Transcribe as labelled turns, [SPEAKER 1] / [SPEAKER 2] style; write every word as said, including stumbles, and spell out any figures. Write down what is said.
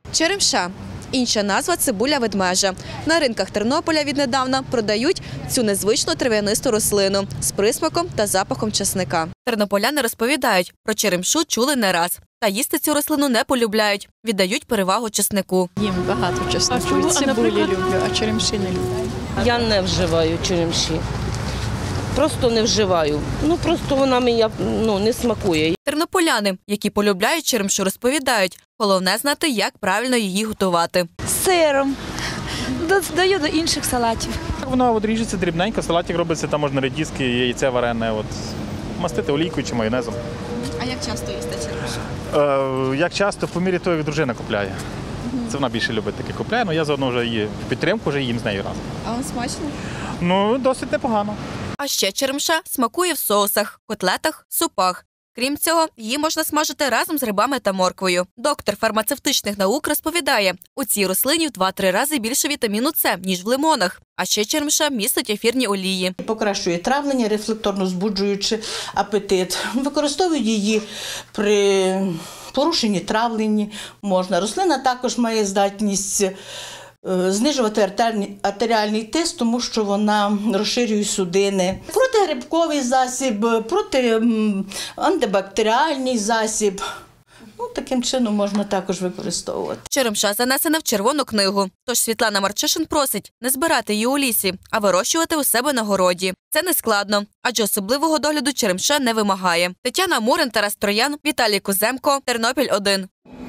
[SPEAKER 1] Черемша – інша назва – цибуля ведмежа. На ринках Тернополя віднедавна продають цю незвичну трав'янисту рослину з присмаком та запахом часника. Тернополяни розповідають, про черемшу чули не раз. Та їсти цю рослину не полюбляють, віддають перевагу часнику.
[SPEAKER 2] Їм багато чесноку, і цибулі люблю, а черемші не люблю.
[SPEAKER 3] Я не вживаю черемші. Просто не вживаю. Ну, просто вона мені ну, не смакує.
[SPEAKER 1] Тернополяни, які полюбляють черемшу, розповідають, головне знати, як правильно її готувати.
[SPEAKER 4] З сиром, додаю до інших салатів.
[SPEAKER 5] Вона от ріжеться дрібненько, салатик робиться, там можна редиски, яйце варене, от, мастити олійкою чи майонезом.
[SPEAKER 1] А як часто їсте черемшу?
[SPEAKER 5] Е, як часто, по мірі того, як дружина купляє. Це вона більше любить таке купляє, але я заодно вже її в підтримку вже їм з нею разом.
[SPEAKER 1] А вам смачно?
[SPEAKER 5] Ну, досить непогано.
[SPEAKER 1] А ще черемша смакує в соусах, котлетах, супах. Крім цього, її можна смажити разом з грибами та морквою. Доктор фармацевтичних наук розповідає, у цій рослині в два-три рази більше вітаміну С, ніж в лимонах. А ще черемша містить ефірні олії.
[SPEAKER 6] Покращує травлення, рефлекторно збуджуючи апетит. Використовують її при порушенні травлення. Можна. Рослина також має здатність знижувати артеріальний тиск, тому що вона розширює судини. Протигрибковий засіб, проти антибактеріальний засіб. Ну, таким чином можна також використовувати.
[SPEAKER 1] Черемша занесена в Червону книгу. Тож Світлана Марчишин просить не збирати її у лісі, а вирощувати у себе на городі. Це не складно, адже особливого догляду черемша не вимагає. Тетяна Мурин, Тарас Троян, Віталій Куземко, Тернопіль один.